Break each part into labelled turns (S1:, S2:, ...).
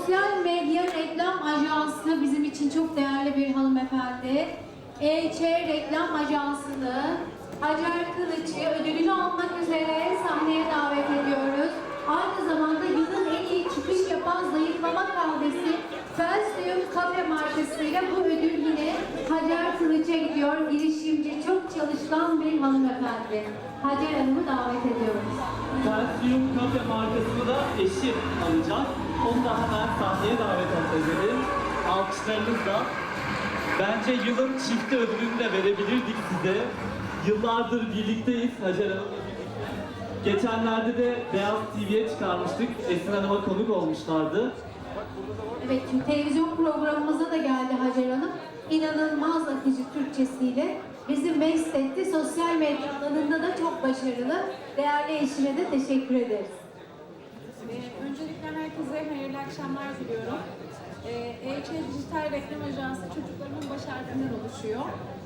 S1: Sosyal medya reklam ajansı bizim için çok değerli bir hanımefendi. EÇ Reklam Ajansı'nı Hacer Kılıç'ı ödülünü almak üzere sahneye davet ediyoruz. Aynı zamanda yılın en iyi çıkış yapan zayıflama kahvesi Felsium Cafe markasıyla bu ödül yine Hacer Kılıç'a gidiyor. Girişimci, çok çalışkan bir hanımefendi. Hacer Hanım'ı davet ediyoruz.
S2: Felsium Cafe markasını da eşim alacak. Onu da hemen sahneye davet edelim. Alkışlarınızla. Bence yılın çifti ödülünü de verebilirdik size. Yıllardır birlikteyiz Hacer Hanım'la birlikte. Geçenlerde de Beyaz TV'ye çıkarmıştık. Esin Hanım'a konuk olmuşlardı.
S1: Evet, çünkü televizyon programımıza da geldi Hacer Hanım. İnanılmaz akıcı Türkçesiyle bizi mest etti. Sosyal medya alanında da çok başarılı. Değerli eşine de teşekkür ederiz.
S3: Öncelikle herkese hayırlı akşamlar diliyorum. EÇ Dijital Reklam Ajansı çocuklarımın baş harfinden oluşuyor.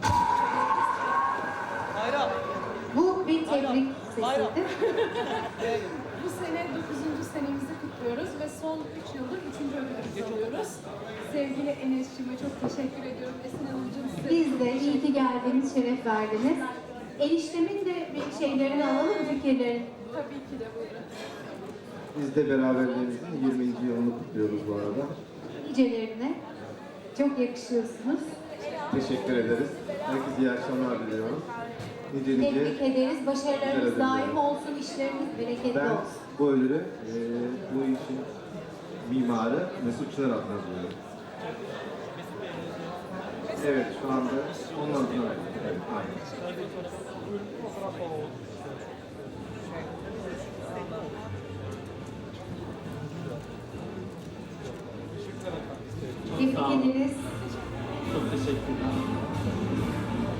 S2: Hayra.
S1: Bu bir tebrik sesiydi.
S3: Bu sene 9. senemizi kutluyoruz ve son 3 yıldır 3. ödülümüzü alıyoruz. Sevgili Enes'cime çok teşekkür ediyorum. Esin Hanımcığım size
S1: Biz de iyi ki geldiniz, şeref verdiniz. Eniştemin de bir şeylerini alalım, fikirlerini.
S3: tabii ki de buyurun.
S4: Biz de beraberliğimizin 20. yılını kutluyoruz bu arada.
S1: Nicelerine. Çok yakışıyorsunuz.
S4: Teşekkür ederiz. Herkese iyi akşamlar diliyorum. Nice
S1: Tebrik ederiz. Başarılarınız
S4: Teşekkür
S1: daim
S4: ederim.
S1: olsun, işleriniz bereketli
S4: Ben
S1: olsun.
S4: bu ödülü bu işin mimarı Mesut Çınar adına veriyorum. Evet, şu anda onun adına verdim. Evet, aynen.
S1: Tebrik ederiz.
S2: Çok teşekkürler.